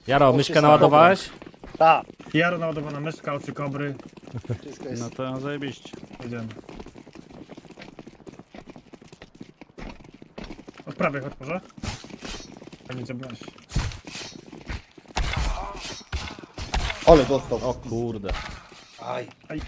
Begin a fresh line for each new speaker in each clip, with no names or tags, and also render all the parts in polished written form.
Jaro, myszkę naładowałeś?
Tak. Jaro naładowana myszka, oczy kobry.
Wszystko jest.
No to zajebiście.
Idziemy. Od prawej chodź może. Tam idzie broń.
Ole dostał.
O kurde.
Aj.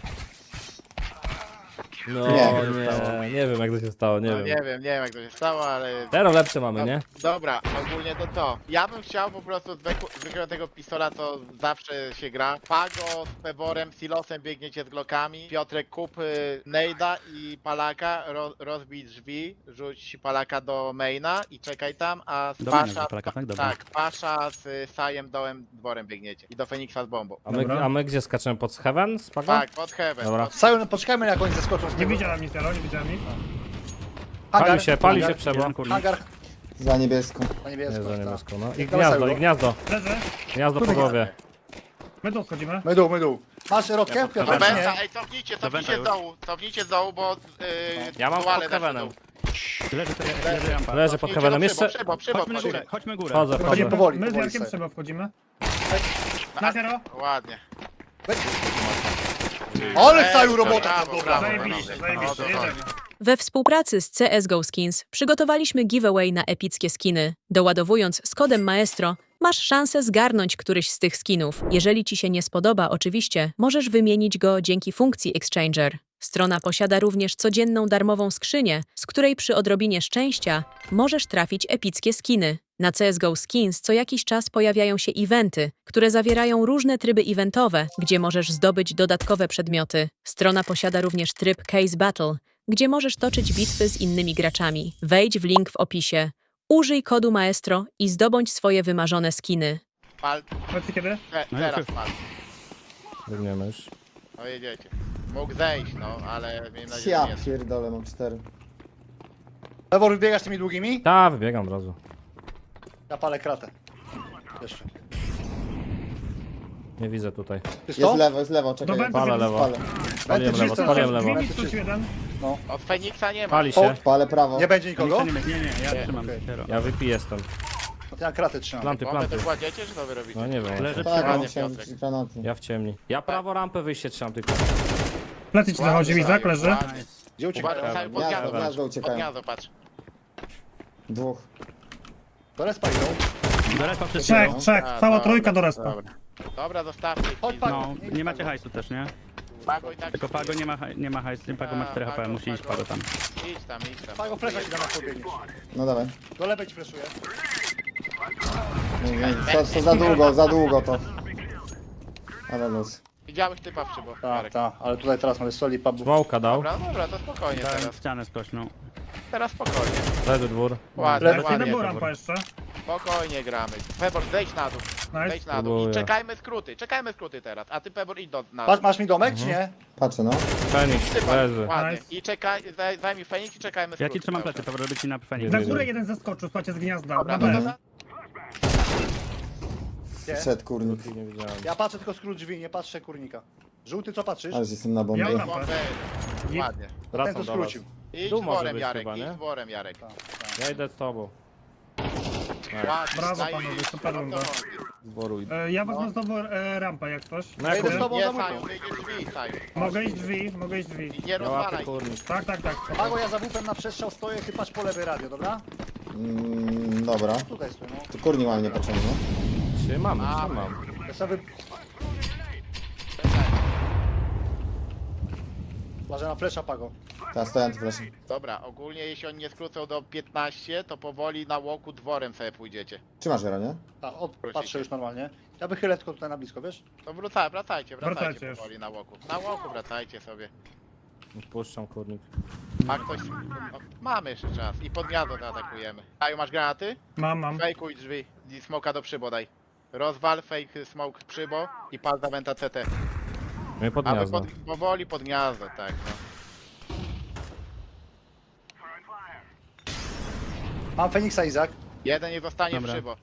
No
Nie.
nie wiem jak to się stało, nie
No
wiem.
nie wiem jak to się stało, ale...
Teraz lepsze mamy, nie?
Dobra, ogólnie to. Ja bym chciał po prostu zwykłego tego pistola, co zawsze się gra. Pago z Peworem, Silosem biegniecie z Glockami. Piotrek kup Nejda i Palaka, rozbij drzwi, rzuć Palaka do maina i czekaj tam, a z
Do maina,
Pasza...
do Palaka, tak? Dobra.
Tak, Pasza z Sajem dołem dworem biegniecie. I do Feniksa z bombą.
Dobra.
A my gdzie skaczemy? Pod Heaven? Spago?
Tak, pod heaven.
Dobra.
Sajon, poczekajmy jak oni zeskoczą z
Nie
tego.
widziałem nic, Jaro, nie widziałem nic.
Pali się
hangar,
Przebo.
Jeden kurnik.
Hangar
Za niebieską.
na
Nie,
niebiesko.
za
tak.
niebieską, no. I
Dawaj,
gniazdo,
Sajo.
i gniazdo.
Leży.
Gniazdo po głowie.
My tu schodzimy.
My dół. Masz rodkę? Piotr,
Dobra,
nie?
ej, cofnijcie z dołu, bo...
Ja mam
duale
pod
weszły
Heavenem.
w dół.
Leży rampa.
Leży pod Heavenem. Jeszcze...
Chodźmy górę.
Chodzę,
Chodźmy
chodzę.
powoli,
My z
powoli
Jarkiem
sobie.
trzeba wchodzimy. Na Jaro.
Ładnie.
Ale Saju robota
Brawo,
tam dobra.
brawo.
Zajebiście, zajebiście. Jedziemy.
We współpracy z CSGO Skins przygotowaliśmy giveaway na epickie skiny. Doładowując z kodem Maestro, masz szansę zgarnąć któryś z tych skinów. Jeżeli ci się nie spodoba, oczywiście, możesz wymienić go dzięki funkcji Exchanger. Strona posiada również codzienną darmową skrzynię, z której przy odrobinie szczęścia możesz trafić epickie skiny. Na CSGO Skins co jakiś czas pojawiają się eventy, które zawierają różne tryby eventowe, gdzie możesz zdobyć dodatkowe przedmioty. Strona posiada również tryb Case Battle, gdzie możesz toczyć bitwy z innymi graczami. Wejdź w link w opisie. Użyj kodu Maestro i zdobądź swoje wymarzone skiny.
Pal,
Powiedzcie kiedy?
No
teraz
już.
pal.
Biegniemy już.
No jedziecie. Mógł zejść, no, ale miejmy nadzieję, że
Ja
nie.
pierdolę, mam 4.
Pewor, wybiegasz tymi długimi?
Ta, wybiegam od razu.
Ja palę kratę. Jeszcze.
Nie widzę tutaj.
Czysto?
Jest lewo, czekaj.
Do
ja
węta
Palę
sobie
lewo.
Palę.
Spaliłem lewo,
czysto,
spaliłem
czysto.
lewo.
Drzwi mi jeden.
Od Feniksa nie ma.
Pali się.
Palę prawo.
Nie będzie nikogo?
Nie, ja trzymam.
Okej.
Zero.
Ja wypiję jestem.
No to ja kratę trzymam.
Planty,
Bombę
planty.
to kładziecie, czy to wy robicie?
No nie wiem.
Leży
Tak,
Ładnie,
mam chciałem
Piotrek.
rzucić granaty.
Ja w ciemni. Ja prawo rampę wyjście trzymam tylko.
Plecy ci zachodzi, Izak, leży.
Ładnie.
Gdzie uciekają?
Uważaj, cały pod
Gniazdo,
gniazdo,
gniazdo
patrz. Pod
uciekają.
gniazdo, patrz.
Dwóch.
Do respa idą.
Do respa przez
Trzech,
A,
cała
dobra,
trójka do respa.
Dobra. Dobra, zostawcie.
Chodź,
ich.
Pago.
No, nie macie hajsu też, nie?
Pago i tak...
Tylko Pago nie ma hajsu, Pago ma 4 HP, musi iść Pago tam.
Idź tam, idź tam.
Pago, flesza ci da na pobiegniesz.
No dawaj.
Do lewej ci fleszuję.
Co za długo to. Ale luz.
Widziałeś typa w przybo.
Tak, ale tutaj teraz mamy soli pubu.
Smołka dał.
Dobra, to spokojnie
Dałem
teraz.
ścianę skośną.
Teraz spokojnie.
Leży dwór.
Ładnie,
Lewy,
Lecimy
ładnie.
był rampa jeszcze.
Spokojnie gramy. Pebor, zejdź na dół.
Nice.
Zejdź na dół. I
Próbuję.
czekajmy skróty teraz. A ty Pebor idź na dół.
Masz mi domek, czy nie?
Patrzę no.
Fenix,
Typa,
leży.
ładnie.
Nice.
I czekaj, zajmij Feniks i czekajmy
Ja
skróty.
ci trzymam
cały
plecy,
czas.
to robię ci na Feniks.
Na
Nie
górę
wiem.
jeden zeskoczył, słuchajcie, z gniazda.
Dobra,
Na
no
B.
to
Gdzie?
Wszedł kurnik.
Nie widziałem.
Ja patrzę tylko skrót drzwi, nie patrzę kurnika. Żółty, co patrzysz?
Ale jestem na bombie.
Ja mam
bombę. Ładnie.
Ten,
Wracam
co
do was.
skrócił.
Idź
Tu
z
może
worem,
być
Jarek,
chyba,
idź
nie?
z worem, Jarek.
Ja idę z tobą.
Ładnie,
Brawo,
zajebiście.
panowie, super
No to
runda.
chodzi.
Z dworu idę.
Ja wezmę znowu rampę jak coś.
No
Ja
jak
idę z tobą
Nie,
za
Saju,
mutą.
wyjdzie drzwi, Saju.
Mogę iść drzwi.
I nie
ja łapię
rozwalaj.
kurnik.
Tak.
Pago, ja za wupem na przestrzał stoję, ty patrz po lewej radio, dobra?
Dobra.
Tutaj stój, no.
Tu kurnik mam niepotrzebny.
Trzymam.
Ja sobie... Uważaj na flesza, Pago.
Teraz stoję antyflashem.
Dobra, ogólnie jeśli oni nie skrócą do 15, to powoli na łoku dworem sobie pójdziecie.
Trzymasz Jero, nie?
Tak, patrzę już normalnie. Ja wychylę tylko tutaj na blisko, wiesz?
To wracajcie
Wracajcie już.
powoli na łoku. Na łoku wracajcie sobie.
Puszczam kurnik.
Ma ktoś... No, mamy jeszcze czas. I pod gniazdo to atakujemy. Saju, masz granaty?
Mam.
Fejkuj drzwi. I smoka do przybo daj. Rozwal, fake smoke przybo i pal za wenta CT.
My pod
A wy
gniazdo.
powoli pod gniazdo, tak no.
Mam Feniksa, Izak.
Jeden nie zostanie w
Dobra.
przybo.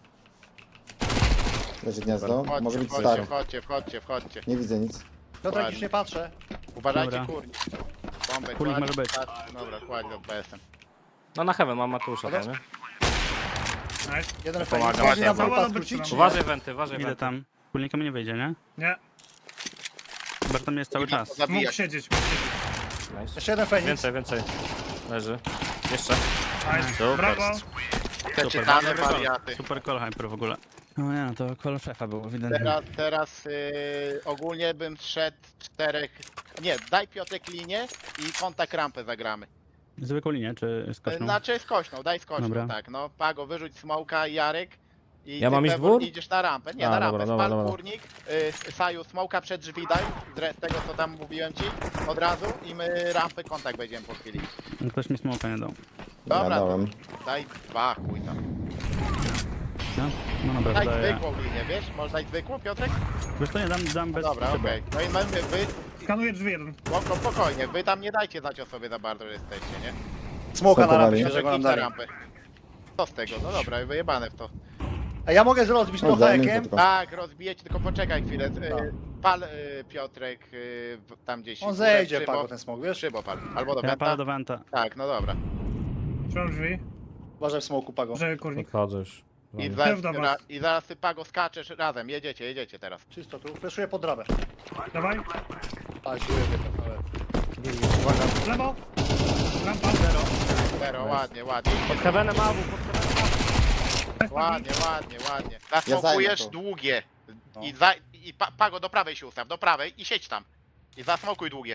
Leży gniazdo. Może być
Wchodźcie,
stack.
wchodźcie.
Nie widzę nic.
Piotrek,
Ładnie.
już nie patrzę.
Uważajcie
Dobra.
kurnik. Bombę
Kurnik
kładź,
może być.
tak, dobra, kładź do BS-em.
No na heaven mam Matusza tam, nie?
Nice.
Jeden
Pomagam.
Feniks. Można
Cała
wupa
dobyt
skrócić?
trzymam.
Uważaj wenty, uważaj
Idę
wenty.
tam. Kulnika mi nie wyjdzie, nie?
Nie,
Chyba że tam jest cały czas.
mógł
Zabijać.
siedzieć, mógł siedzieć.
Nice.
Jeszcze jeden Feniks.
Więcej, więcej. Leży. Jeszcze.
Nice.
Super.
Brawo.
Te czytane
Super call.
wariaty.
Super call hyper w ogóle. No nie, no to call szefa było, ewidentnie.
Teraz ogólnie bym szedł 4. Nie, daj Piotrek linię i kontakt rampę zagramy.
Zwykłą linię, czy skoczną?
Znaczy skośną, daj skośną,
Dobra.
tak. No, Pago, wyrzuć smoka i Jarek. I
Ja
ty,
mam iść
Pebor,
dwór?
idziesz na rampę. Nie,
A,
na
dobra,
rampę.
dobra,
Spal
dobra.
kurnik, Saju, smoka przed drzwi daj, z tego co tam mówiłem ci, od razu i my rampę kontakt będziemy po chwili.
No, ktoś mi smoka nie dał.
Ja
Dobra,
dałem.
daj 2, chuj tam.
No, no dobra,
Daj
daję.
zwykłą linię, wiesz? Może dać zwykłą, Piotrek?
Wiesz co, nie dam bez
Dobra,
szyby.
okej. No i mamy, wy,
Skanuję drzwi jeden.
spokojnie, wy tam nie dajcie znać o sobie za bardzo, że jesteście, nie?
Smoka na rampie,
Spokojnie.
świeżego nam
Idź na
dali.
rampę. Co z tego? No dobra, wyjebane w to.
A ja mogę rozbić
No,
trochę
daj mi
ekiem.
tylko.
Tak, rozbijecie, tylko poczekaj chwilę.
No.
Pal Piotrek tam gdzieś.
On
w górę,
zejdzie,
w szybo.
Pago, ten smok, wiesz?
Szybo pal. Albo do
Ja palę
wenta.
do Venta.
Tak, no dobra.
Trzymam drzwi.
Uważaj w smoku, Pago.
Że kurnik.
Podchodzę już.
I
Dobra.
zaraz,
Dobra.
i zaraz ty Pago skaczesz razem. Jedziecie teraz.
Czysto tu. Fleszuję pod drabę.
Dawaj.
A, dziuję, ale...
W lewo. Rampa.
Zero, ładnie, ładnie.
Pod heavenem AW, pod heavenem.
Ładnie.
Ja
Zasmokujesz
zajmę to.
długie.
No.
Pago do prawej się ustaw, do prawej i siedź tam. I zasmokuj długie.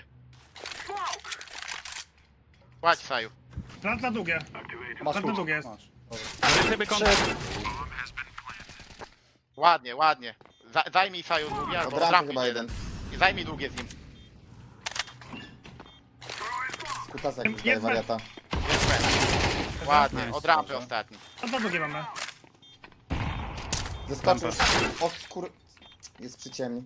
Kładź Saju.
Plant na długie.
Masz
Tak na
klucz.
długie jest.
Masz.
Ale sobie kontakt.
Ładnie. Zajmij Saju długie, albo
Od rampy
trafisz
chyba
jeden.
jeden.
I zajmij długie z nim.
Kutasek już
Jest
daje
bez.
wariata.
Jest pewnie. Ładnie,
Nice.
od rampy ostatni.
A na długie mamy.
Zeskoczył. Od skór... Jest przy ciemni.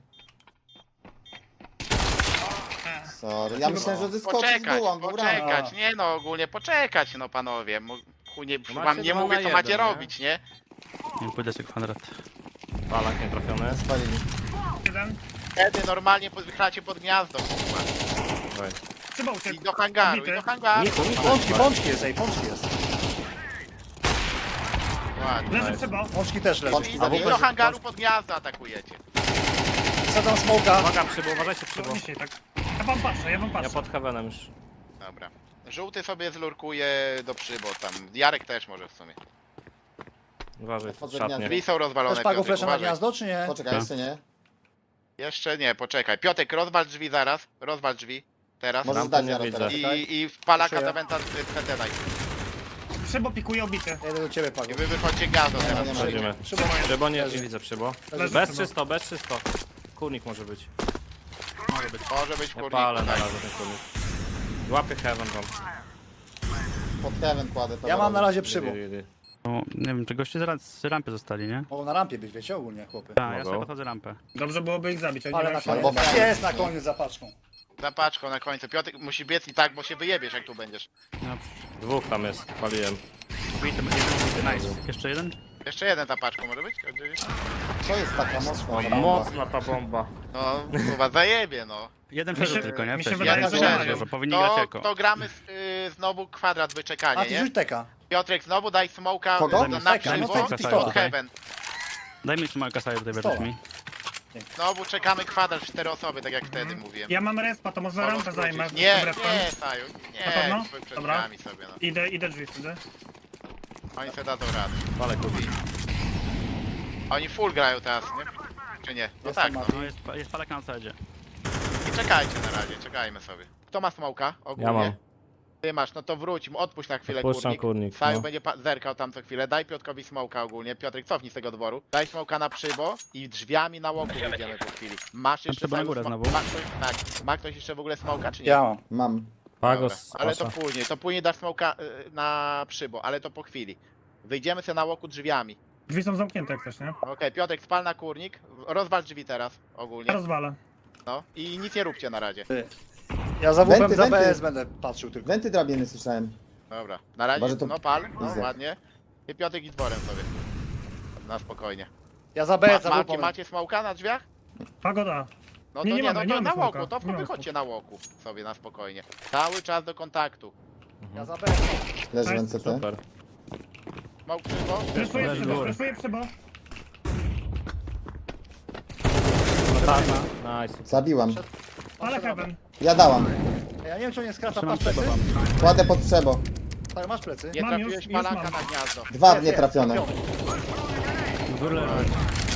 Sorry. Ja myślałem, że zeskoczył z dół, on był rano.
Poczekać, nie no, ogólnie poczekać, no panowie. Chuj, nie,
Macie
wam nie
2
mówię
na
co macie
1, nie?
robić, nie?
Nie pójdę sobie kwadrat.
Palak nie trafiony.
Spalili.
Jeden.
Wtedy normalnie wychylacie pod gniazdo, kurwa.
Dawaj.
Trzeba uciec.
I do hangaru, i
Obity.
do hangaru.
Pączki jest, ej, pączki jest.
Ładnie.
Leży trzeba.
Pączki też leży.
Pączki
I
zabiłeś?
do hangaru pod gniazdo atakujecie.
Wsadzam smoka.
Uwaga, przybył, uważajcie, przybył.
To dzisiaj tak. Ja wam patrzę.
Ja
patrzę.
pod heavenem już.
Dobra. Żółty sobie zlurkuje do przybo tam. Jarek też może w sumie.
Uważaj,
Wchodzę w
szatnie.
gniazdo.
Drzwi są rozwalone.
Też Pago
Piotrek,
flesza na
uważaj.
gniazdo, czy nie?
Poczekaj, jeszcze nie.
Jeszcze nie, poczekaj. Piotek, rozwal drzwi zaraz. Rozwal drzwi. Teraz.
Możesz
Rampy
dać
nie
Jaro
widzę.
teraz.
I w palaka
Proszę.
za wenta CT daj.
Trzeba pikuje obity.
Ja idę do ciebie, Pago.
I wy wychodźcie gniazdo
Nie ma,
teraz.
nie ma.
Przejdziemy.
Przybo.
Przybo nie
Leży.
widzę, przybo.
Leży
Bez
przybo.
300, bez 300. Kurnik może być.
Może być w
Ja
kurniku.
palę na
Tak.
razie ten kurnik. Łapię heaven wam.
Pod heaven kładę.
Ja mam na razie
Idy,
przybo.
idy, idy.
No, nie wiem, czy goście z rampy zostali, nie?
Mogą na rampie być, wiecie, ogólnie, chłopy.
Tak, ja
Mogą.
sobie podchodzę rampę.
Dobrze byłoby ich zabić. Oni
Ale
mają
na
się-
Albo
koniec.
Feniks.
Jest na koniec za paczką.
Za paczką na końcu. Piotrek musi biec i tak, bo się wyjebiesz jak tu będziesz.
No,
Dwóch tam jest, paliłem.
bity, jeden, nice. Jeszcze jeden?
Jeszcze jeden za paczką może być?
Co jest taka mocna bomba?
Mocna ta bomba.
No, chyba zajebie no.
Jeden
Mi się-
przeżył tylko, nie?
mi się
Wcześniej.
wydaje,
że
Jeden
mają.
przeżył, powinni grać jako.
To gramy znowu kwadrat
A
wyczekanie,
ty
nie?
rzuć teka.
Piotrek, znowu daj smoka
Kogo?
na
Teka,
przybo
no
teka,
i
teka,
pod
tutaj.
heaven.
Daj mi smoka sobie tutaj
Stoła.
bierzesz mi.
Znowu czekamy kwadrat 4 osoby, tak jak wtedy mówiłem.
Ja mam respa, to może
Mogą
rampę
skrócić.
zajmę.
Nie,
z tym respem.
nie, Saju,
Na pewno?
nie, przed
Dobra.
drzwiami sobie, no.
Idę drzwi wtedy.
Oni sobie dadzą radę.
Palę kurnik.
Oni full grają teraz, nie? Czy nie? No
Jestem
tak, no.
Mati.
No, jest palak na outside.
I czekajcie na razie, czekajmy sobie. Kto ma smoka ogólnie?
Ja mam.
Ty masz, no to wróć, odpuść na chwilę
Odpuszczam
kurnik.
kurnik,
Saju
no.
będzie zerkał tam co chwilę, daj Piotrkowi smoka ogólnie. Piotrek, cofnij z tego dworu. Daj smoka na przybo i drzwiami na łoku wyjdziemy po chwili. Masz jeszcze
przybo na
Saju
górę
smo-
znowu?
Ma ktoś, tak, ma ktoś jeszcze w ogóle smoka, czy nie?
Ja mam.
Mam.
Pagos,
Dobra, ale to
Pasza.
później dasz smoka na przybo, ale to po chwili. Wyjdziemy sobie na łoku drzwiami.
Drzwi są zamknięte jak coś, nie?
Okej, Piotrek, spal na kurnik, rozwal drzwi teraz
Ja
ogólnie,
rozwalę.
no i nic nie róbcie na razie.
Ja za WP
Wenty,
za
wenty.
BS będę patrzył tylko.
Wenty drabiny słyszałem.
Dobra, na razie,
Chyba, że to
no pal, no
Izak.
ładnie. I Piotrek i dworem sobie. Na spokojnie.
Ja za BS za
Macie,
WP.
macie smoka na drzwiach?
Pagoda.
No to
Nie,
nie,
nie mamy,
no
nie
to
mamy
na
smoka.
łoku, to
Nie mamy
wychodźcie na łoku sobie na spokojnie. Cały czas do kontaktu.
Ja za BS.
Leży w
Nice.
NCT.
Super.
Smoke przybo.
Fleszuję
Leży
przybo,
dwór.
fleszuję przybo.
No tak. Nice.
Zabiłam.
Ale heaven.
Ja dałam.
Ja nie wiem, czy on nie skraca,
Trzymam
patrz plecy.
przebo wam.
Kładę pod przebo.
Tak, masz plecy.
Nie
Mam
trafiłeś
już
palaka
mam.
na gniazdo.
Dwa
Jest,
nietrafione.
jest,
Dwór leży.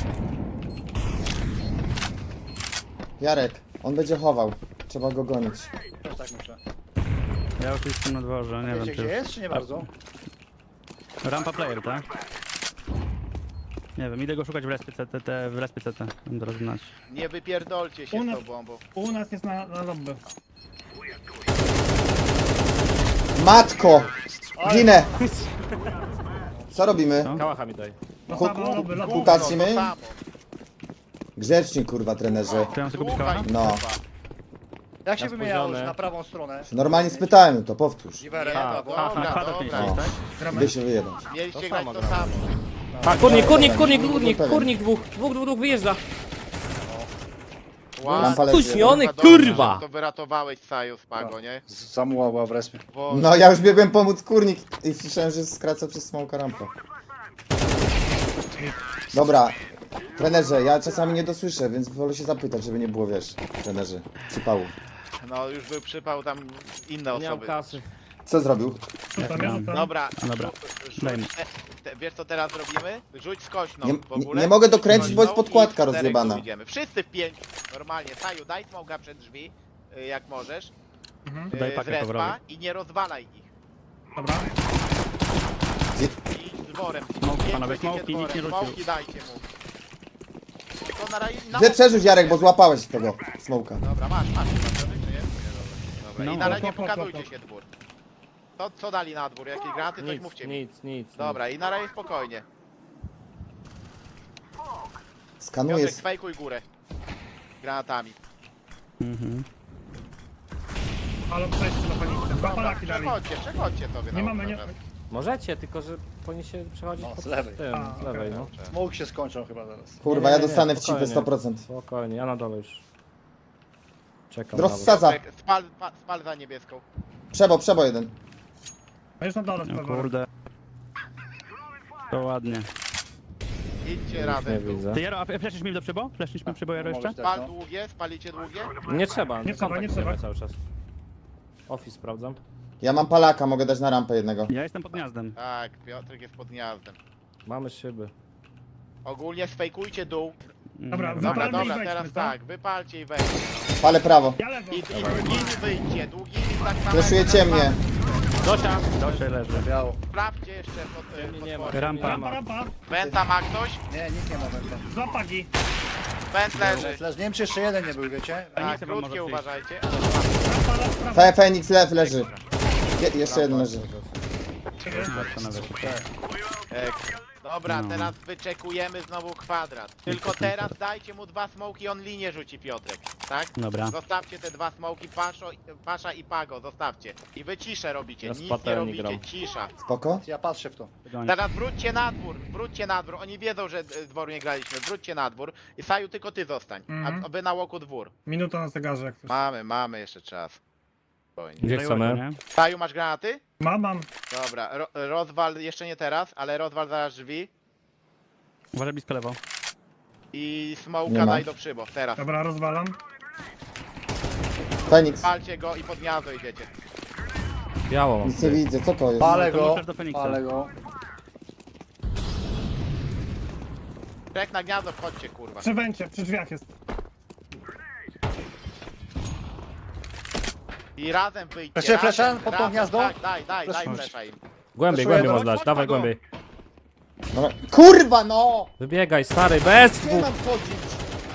Jarek, on będzie chował. Trzeba go gonić.
Też tak myślę.
Ja już jestem na dworze, nie wiem
Wiecie, gdzie
czy...
jest, czy nie bardzo?
Rampa player, tak? Nie wiem, idę go szukać w respie CT, w respie CT. Będę rozgnać.
Nie wypierdolcie się
U
z
nas-
tą bombą.
U nas jest na lobby.
Matko! Ginę! Co robimy?
Co?
Kałacha mi daj.
No
Ku-
samo lobby, lobby.
ku-
To
Patrzymy?
samo.
Grzeczni kurwa trenerze.
Czy ja mam sobie kupić
Słuchaj,
kałacha?
No.
kurwa.
Jak się
Ja
wymieniało
spóźniony.
na prawą stronę?
Normalnie spytałem, to powtórz.
Giwerem,
Tak,
na prawo.
Na
Dobra,
kwadrat
dobra.
mieliście, tak?
Gramy.
Gdy się wyjebać.
Mieliście
To
grać
samo
to
gramy.
samo.
A, kurnik,
Pewien.
kurnik dwóch wyjeżdża.
Lampa leży.
Spóźniony,
Dobrze,
kurwa!
że To wyratowałeś Saju z Pago, nie?
Samuła była w respie.
Bo
No ja już biegłem pomóc kurnik i słyszałem, że skraca przez smoka rampę. Dobra. Trenerze, ja czasami nie dosłyszę, więc wolę się zapytać, żeby nie było, wiesz, trenerze, przypału.
no już był przypał tam inne
Nie mam
osoby.
kasy.
Co zrobił?
Rzucam, ja rzucam.
Dobra,
No dobra. Daj mi.
wiesz co teraz robimy? Rzuć skośną
Nie-
w ogóle.
nie mogę dokręcić, bo jest
Skośną
podkładka
i w czterech
rozjebana.
tu idziemy. Wszyscy w 5. Normalnie. Saju, daj smoga przed drzwi, jak możesz.
Mhm.
Daj
Z
pakę
respa
powrotu.
i nie rozwalaj ich.
Dobra.
I idź dworem.
Smoke,
Nie
panowie,
idźcie
smoke, nikt nie
dworem.
rzucił.
Smoki dajcie mu. To na razie...
Gdzie przerzuć, Jarek, bo złapałeś tego smoka.
Dobra, masz, czy nie? Dobra,
No.
i na razie
Hop, hop, hop,
pokazujcie
hop.
się dwór. Co dali na dwór? Jakieś granaty? Coś mówcie mi.
Nic.
Dobra, i na razie spokojnie.
Skanuję.
Piotrek, fejkuj górę. Granatami.
Mhm.
Ale przejść na paniczce. Dwa
Dobra,
palaki dali.
przechodźcie sobie na
Nie mamy, nie...
obronę.
Możecie, tylko że powinni się przechodzić
No,
pod
z lewej.
tym,
A,
z lewej,
okej.
no.
Smoke się skończą chyba zaraz.
Kurwa, ja
Nie,
dostanę w cipę
spokojnie.
100%.
Spokojnie, ja na dole już. Czekam
Rozsadza.
Piotrek, spal za niebieską.
Przebo jeden.
A już na dole
No
sprawę.
kurde. To ładnie.
Idźcie
Nie
razem.
widzę.
Ty Jaro, a fleszysz mi do przybo? Fleszysz mi przybo Jaro jeszcze?
Możesz
Spal
dać, no.
długie, spalicie długie.
Nie trzeba,
Nie trzeba, nie
kontakt idziemy
trzeba.
cały czas. Office sprawdzam.
Ja mam palaka, mogę dać na rampę jednego.
Ja jestem pod gniazdem.
Tak, Piotrek jest pod gniazdem.
Mamy szyby.
Ogólnie sfejkujcie dół.
Dobra,
Dobra,
Dobra,
Wypalmy i
dobra,
wejdźmy,
teraz
co?
tak, wypalcie i wejdźcie.
Palę prawo.
Ja lewo.
I długimi wyjdźcie, długimi tak samo.
Fleszujecie
jak na
mnie.
Zosia!
Dosie leży.
Biało.
Sprawdźcie jeszcze pod,
Ciemni nie ma.
pod
Rampa.
Rampa, rampa.
Wenta ma ktoś?
Nie, nikt nie ma węta.
Dwa pagi.
Went leży.
Flash, nie wiem, czy jeszcze jeden nie był, wiecie?
Tak,
Feniksa wam
krótkie
może przyjść.
uważajcie.
Rampa, lew, prawo.
Fenix leży. Jeszcze jeden leży.
Dobra,
No.
teraz wyczekujemy znowu kwadrat. Tylko teraz dajcie mu dwa smoki, on linię rzuci Piotrek, tak?
Dobra.
Zostawcie te dwa smoki, Pasza i Pago, zostawcie. I wy ciszę robicie,
Ja z
nic nie
patelni
robicie,
gram.
cisza.
Spoko?
Ja patrzę w to.
Teraz wróćcie na dwór, oni wiedzą, że dworu nie graliśmy, wróćcie na dwór. I Saju, tylko ty zostań,
Mhm.
a wy na łoku dwór.
Minuta na zegarze jak coś.
Mamy jeszcze czas. Spokojnie.
Gdzie chcemy?
Nie?
Saju, masz granaty?
Mam.
Dobra, rozwal, jeszcze nie teraz, ale rozwal zaraz drzwi.
Uważaj blisko lewo.
I
Nie
smoka
ma.
daj do przybo, teraz.
Dobra, rozwalam.
Fenix.
Palcie go i pod gniazdo idziecie.
Biało mam.
Nic nie widzę, co to jest?
Palę
To
go,
możesz do Feniksa.
palę go.
Trek na gniazdo, wchodźcie kurwa.
Przy węcie, przy drzwiach jest.
I razem wyjdźcie.
Jeszcze
razem,
flesza pod to
razem.
gniazdo?
Tak, daj
Fleszuję.
flesza im.
Głębiej,
Proszę,
możesz dać,
chodź,
dawaj
Pago.
głębiej.
No, kurwa no!
Wybiegaj, stary, bez
Gdzie
dwóch.
mam chodzić?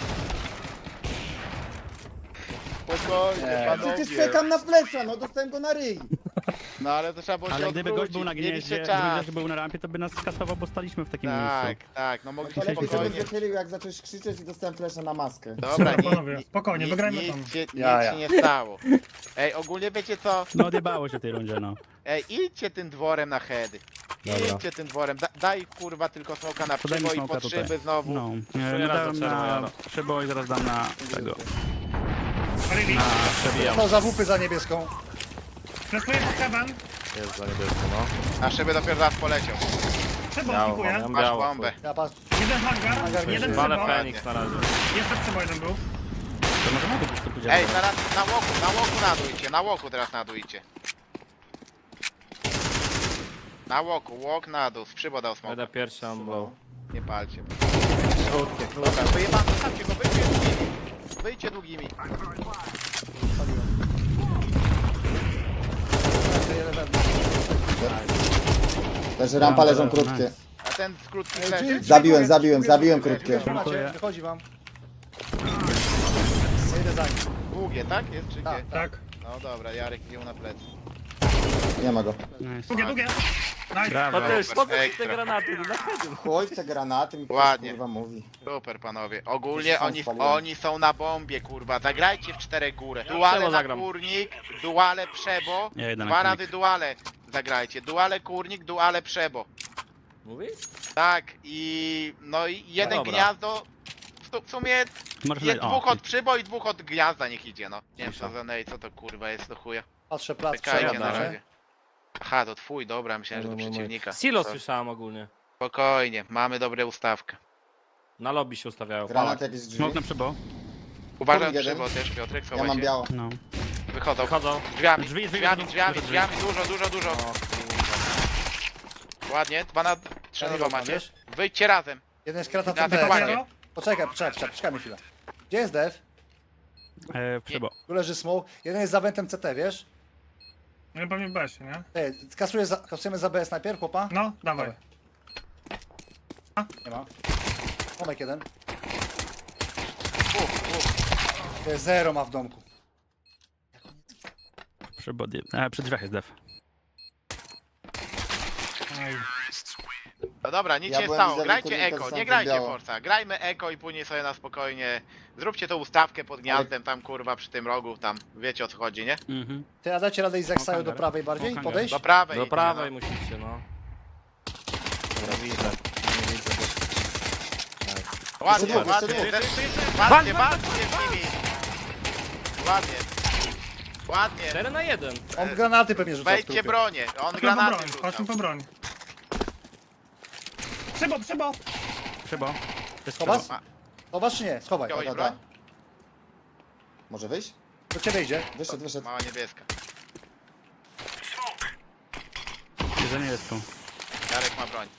Spokojnie,
Nie.
panowie.
Przecież czekam na flesza, no dostałem go na ryj.
No ale to trzeba było się
Ale gdyby gość był na
odwrócić,
gnieździe,
mieliście
gdyby
czas.
gość był na rampie, to by nas skasował, bo staliśmy w takim
Tak,
miejscu.
tak, no mogliście
To lepiej się
spokojnie.
wychylił, jak zacząłeś krzyczeć i dostałem flesza na maskę.
Dobra,
Dobra, panowie, spokojnie, wygrajmy tam.
nic
Ja.
się nie stało. Ej, ogólnie wiecie co?
No odjebało się w tej rundzie, no.
Ej, idźcie tym dworem na heady.
Dobra.
Idźcie tym dworem. Daj kurwa tylko smoka na
Podaj mi
przybo i
smoka
pod
tutaj.
szyby znowu.
No.
Czuję
Nie
raz
dałem
za czerwo,
na
Jaro.
przybo i zaraz dam na tego.
Ready.
Na przebijam.
To za wupy za niebieską.
Flashuję pod heaven.
Jest za niebiesko, no.
A szyby dopiero zaraz poleciał.
Przebo
Biało,
pikuje.
mam
Masz
biało.
bombę.
Ja patrz.
Jeden hangar, jeden
Walę
przebo.
Feniks na razie.
Jeszcze przebo jeden był.
To może na dół po prostu pójdziemy.
Ej, zaraz na łoku nadujcie, na łoku teraz nadujcie. Na łoku, łok na dół, przybo dał smoka.
Będę pierwszy, mam blow.
Nie palcie. Dobra, wyjebam, zostawcie go, wyjdźcie długimi. Wyjdźcie długimi.
Leży rampa, leżą
Nice.
krótkie.
A ten z krótkich
Ej,
leży.
Drzwi-
Zabiłem krótkie.
Macie, wychodzi wam. Ja idę za nim.
Długie, tak? Jest czy
Tak,
gdzie?
Tak.
No dobra, Jarek wziął na plecy.
Nie ma go.
Nice.
Długie. Nice.
Brawo.
Mateusz, po co ci te
Ekstra.
granaty? No dlaczego?
Chuj w te granaty, mi
Ładnie.
kurwa mówi.
Super panowie. Ogólnie
Sam
oni,
spaliłem.
oni są na bombie, kurwa. Zagrajcie w 4 górę. Duale
Przebo
na
zagram.
kurnik, duale przebo.
Ja jedę na
2
kurnik.
razy duale zagrajcie. Duale kurnik, duale przebo.
Mówisz?
Tak i no i jeden
dobra.
gniazdo. W sumie
Możesz
jest
na...
dwóch od przybo i dwóch od gniazda niech idzie, no. Nie wiem co za nej, co to kurwa jest do chuja.
Patrzę plac.
Czekajcie na
przejadę,
razie. Aha, to twój, dobra, myślałem, że do przeciwnika.
Silo
To-
słyszałem ogólnie.
Spokojnie, mamy dobrą ustawkę.
Na lobby się ustawiają.
Granat jakieś drzwi.
Smok na przybo.
Uważaj
Kurnik jeden.
przybo też, Piotrek,
Ja
schowaj
mam
się.
biało.
No.
Wychodzą.
Wchodzą.
Drzwiami,
Drzwi,
drzwiami, drzwiami,
drzwi.
drzwiami, dużo. Ładnie, 2 na 3
Ja
na
nie
2
mam,
macie.
wiesz?
Wyjdźcie razem.
Jeden z krata
Ja
CT.
tak ładnie.
Poczekaj mi chwilę. Gdzie jest dev?
Przybo.
Tu leży smoke. Jeden jest za wentem CT, wiesz?
No pewnie w besie, nie?
Ej, kasujemy za BS najpierw, chłopa?
No, dawaj.
Nie ma. Tomek jeden.
Uf.
To jest zero ma w domku.
Przybo. Przy drzwiach jest dev.
Ej.
No dobra, nic
Ja
się nie
byłem
stało.
vis-a-vis
Grajcie
kurnika,
eko,
dostałem
nie grajcie
biało.
Forza. Grajmy eko i później sobie na spokojnie. Zróbcie tą ustawkę pod gniazdem tam kurwa przy tym rogu, tam wiecie o co chodzi, nie?
Mhm.
Ty, a dacie radę i Zaksaju do
hangar.
prawej bardziej?
Hangar.
Podejść?
Do prawej.
Do
idźcie,
prawej
no.
musicie, no. Dobra, widzę. Nie widzę.
Ładnie,
Jeszcze
ładnie.
dwóch.
Walczcie z nimi. Ładnie. Ładnie.
4 na 1.
On granaty pewnie rzuca w
Wejdźcie
trupy.
bronię. On
Chodźmy po
granaty
broń,
rzucał.
chodźmy po broń. Przebo.
Przybo. To jest
Schowasz?
przybo.
Schowasz czy nie? Schowaj.
Wziąłeś
Da.
broń?
Może wyjść?
Do ciebie idzie.
Wyszedł.
Mała niebieska.
Jedzenie jest tu.
Jarek ma broń.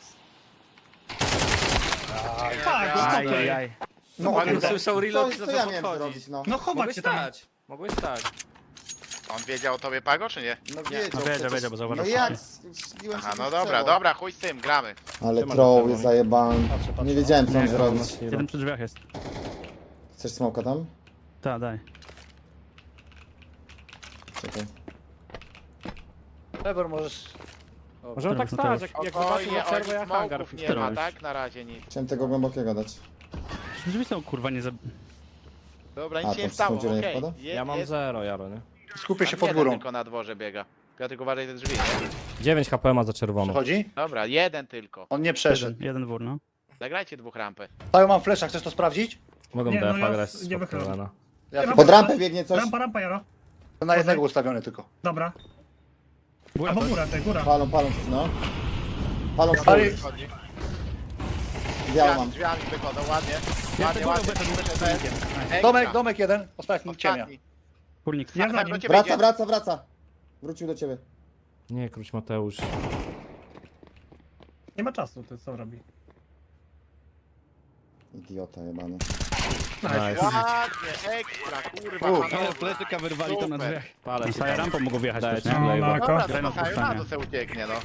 Tak, no to
Ajajaj.
No,
Jak
kurde.
usłyszał reload,
Co
to
ja
co
miałem
podchodzić.
zrobić, no?
No chować
Mogłeś
się tam.
stać. Mogłeś stać.
On wiedział o tobie Pago, czy nie?
No
wiedział,
przecież.
wiedział, bo zauważył
No jak?
wcześniej.
Śliłem
Aha,
się
no
z
dobra,
celą.
dobra, chuj z tym, gramy.
Ale
Ty
troll
masz
jest
za
zajebany.
Patrzę.
Nie wiedziałem co mam
Nie,
zrobić.
Jeden przy drzwiach jest.
Chcesz smoka tam?
Tak, daj.
Czekaj.
Trevor możesz...
Możemy tak
Dobra,
stać, jak
Spokojnie,
zobaczymy przerwę, ja
oni
hangar.
smoków nie
Który
ma,
robisz?
tak? Na razie nic.
Chciałem tego głębokiego dać.
Drzwi są kurwa nie za...
Dobra,
A,
nic się
to
nie stało,
przez tą dziurę nie
okej.
wpada?
Je-
Ja mam
jest-
0, Jaro, nie?
Skupię się
tam
pod
jeden
górą.
tylko na dworze biega. Piotrek, uważaj te drzwi, nie?
9 HP ma za czerwono.
Przechodzi?
Dobra, jeden tylko.
On nie przeszedł.
Jeden wór, no.
Zagrajcie dwóch rampę.
Tajo mam flesza, chcesz to sprawdzić?
Mogą
Nie, no
defa
ja
grać
nie wychylam.
spokojnie.
Ja
Pod rampę biegnie coś.
Rampa, Jaro.
to na jednego ustawiony tylko.
Dobra.
Góra
Albo
to...
góra, góra.
Palą coś, no. Palą
Ale-
coś. Biało mam.
Drzwiami wychodzą, ładnie.
Ja
Ładnie,
tego
ładnie.
wyszedł
Ekstra.
Domek jeden. Ostatni ciemnia.
Ostatni.
Kurnik.
Ja za
Tak, do
nim.
ciebie idzie.
Wraca. Wrócił do ciebie.
Nie, króć Mateusz.
Nie ma czasu, to co robi.
Idiota jebany.
Nice.
Ładnie, ekstra, kurwa. panowie.
Pletyka wyrwali tam na
Super.
drzwiach.
Palę
No,
się.
Saja rampą mogą wjechać
Daję
też,
ci
nie?
flavor.
No,
Dobra,
Graj na
to Saju
puszczanie.
na dół se ucieknie, no.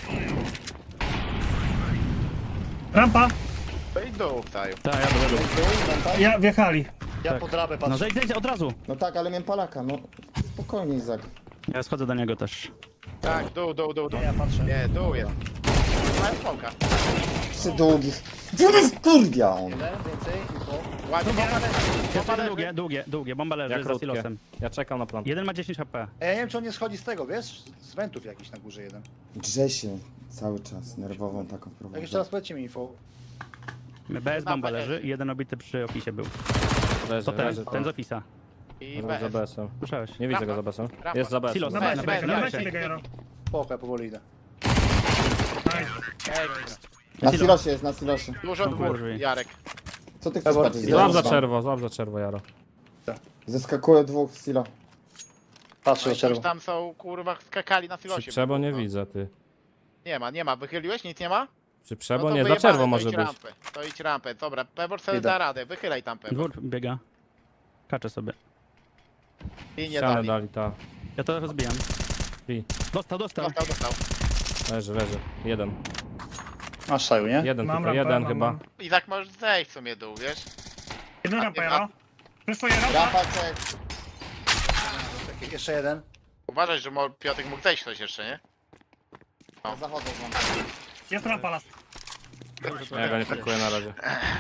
Rampa.
To i dół, Saju.
Tak, ja do lewo.
Ja wjechali.
Ja
Tak.
pod drabę
No
patrzę.
zejdź od razu.
No tak, ale miałem palaka, no. Spokojnie, Izak.
Ja schodzę do niego też.
Tak, dół.
Ja patrzę.
Nie, dół jest. Mają smoka.
Przy długich. Kurwia on.
Jeden, więcej, info.
Ładnie,
Długie. Bomba
Ja
leży za
krótkie.
silosem.
Ja czekam na plan.
Jeden ma 10 HP.
Ej, ja nie wiem, czy on nie schodzi z tego, wiesz? Z wentów jakiś na górze jeden.
Grze się cały czas, nerwową taką
Jak
wprowadza.
jeszcze raz powiedzcie mi info.
BS bomba leży i jeden obity przy ofisie był.
Leży,
To ten,
leży.
ten z ofisa.
I
Za
bez.
BS-em.
Słyszałeś?
Nie widzę
Rampa.
go za BS-em.
Rampa.
Jest za BS-em.
Silos.
Na
Dawaj,
besie,
na besie,
na
na
besie
besie.
biega, Jaro.
Spoko, ja powoli idę.
Nice.
Ekstra.
Na silosie jest, na silosie.
Dużo
Dobra,
dwór,
drzwi.
Jarek.
Co ty chcesz
Pewor,
patrzeć?
Złap za
Zaraz
czerwo, Jaro.
Zeskakuje dwóch z silo.
Patrzę do
Już
czerwu.
tam są, kurwa, skakali na
Przy
silosie.
przebo nie widzę, ty.
Nie ma. Wychyliłeś? Nic nie ma?
Przy przebo
No to
nie, za
wyjebane,
czerwo
to
może
idź
być.
Rampę. To idź rampę. Dobra, Pebor sobie
Idę.
da radę. Wychylaj tam Pebor.
Dwór biega. Kaczę sobie.
I nie
Ścianę
dali.
dali, ta.
Ja to rozbijam.
I.
Dostał.
Dostał.
Leży. Jeden.
Masz saju, nie?
Jeden
Mam
tylko,
rampę,
jeden
mam,
chyba.
mam.
I tak możesz zejść w sumie dół, wiesz?
Jedna
A
rampa,
ty-
Jaro. Przyszuję rampa.
Rampa cek.
Jeszcze jeden.
Uważaj, że Piotrek mógł zejść ktoś jeszcze, nie?
Zachodzą wam.
Jest rampa last.
Ja go nie pakuję na razie.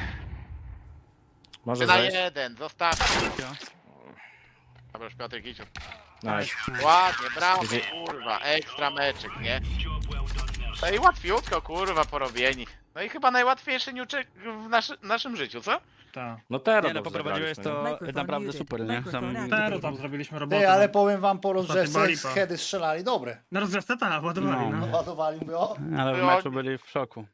Może
Ty na
zejść.
jeden, zostaw.
Ja.
Dobra, już Piotrek idź.
Nice.
Ładnie, brawo, kurwa, ekstra meczek, nie? No i łatwiutko, kurwa, porobieni. No i chyba najłatwiejszy niuczek w naszym życiu, co?
Tak.
No teraz
Nie no, poprowadziłeś to naprawdę super, nie?
Tero tam zrobiliśmy robotę.
Ty, ale powiem wam po
Ostatni
rozgrzewce,
balipa.
heady strzelali dobre.
Na rozgrzewce tak, ładowali,
No.
no.
Ładowali, mówię, o.
Ale w meczu byli w szoku.